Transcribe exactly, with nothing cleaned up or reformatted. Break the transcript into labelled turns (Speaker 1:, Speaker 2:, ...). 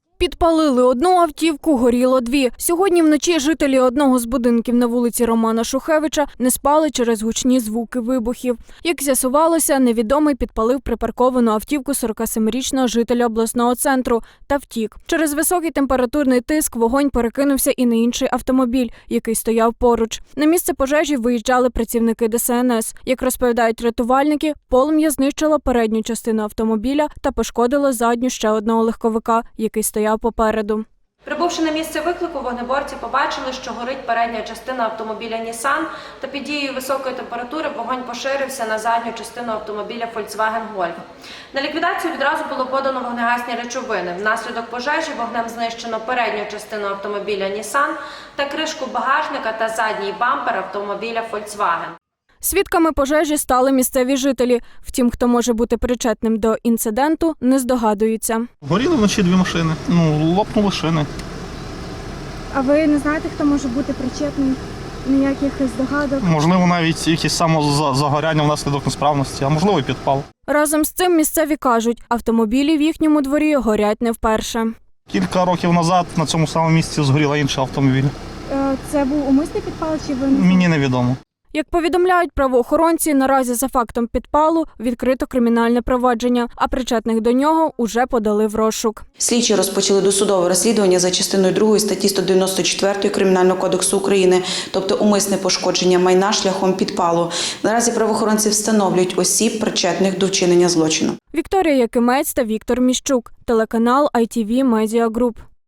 Speaker 1: Підпалили одну автівку, горіло дві. Сьогодні вночі жителі одного з будинків на вулиці Романа Шухевича не спали через гучні звуки вибухів. Як з'ясувалося, невідомий підпалив припарковану автівку сорокасемирічного жителя обласного центру та втік. Через високий температурний тиск вогонь перекинувся і на інший автомобіль, який стояв поруч. На місце пожежі виїжджали працівники Де Се Ен Ес. Як розповідають рятувальники, полум'я знищило передню частину автомобіля та пошкодило задню ще одного легковика, який стояв попереду.
Speaker 2: Прибувши на місце виклику, вогнеборці побачили, що горить передня частина автомобіля Нісан, та під дією високої температури вогонь поширився на задню частину автомобіля Фольксваген Гольф. На ліквідацію відразу було подано вогнегасні речовини. Внаслідок пожежі вогнем знищено передню частину автомобіля Нісан та кришку багажника та задній бампер автомобіля Фольксваген.
Speaker 1: Свідками пожежі стали місцеві жителі. Втім, хто може бути причетним до інциденту, не здогадуються.
Speaker 3: Горіли вночі дві машини, ну, лопнули шини.
Speaker 4: А ви не знаєте, хто може бути причетний? Ніяких здогадок?
Speaker 3: Можливо, навіть якісь самозагоряння внаслідок несправності, а можливо і підпал.
Speaker 1: Разом з цим місцеві кажуть, автомобілі в їхньому дворі горять не вперше.
Speaker 3: Кілька років назад на цьому самому місці згоріла інший автомобіль.
Speaker 4: Це був умисний підпал чи ви не
Speaker 3: Мені невідомо.
Speaker 1: Як повідомляють правоохоронці, наразі за фактом підпалу відкрито кримінальне провадження, а причетних до нього уже подали в розшук.
Speaker 5: Слідчі розпочали досудове розслідування за частиною другої статті сто дев'яносто чотири Кримінального кодексу України, тобто умисне пошкодження майна шляхом підпалу. Наразі правоохоронці встановлюють осіб, причетних до вчинення злочину.
Speaker 1: Вікторія Якимець та Віктор Міщук, телеканал Ай Ті Ві Медіа Груп.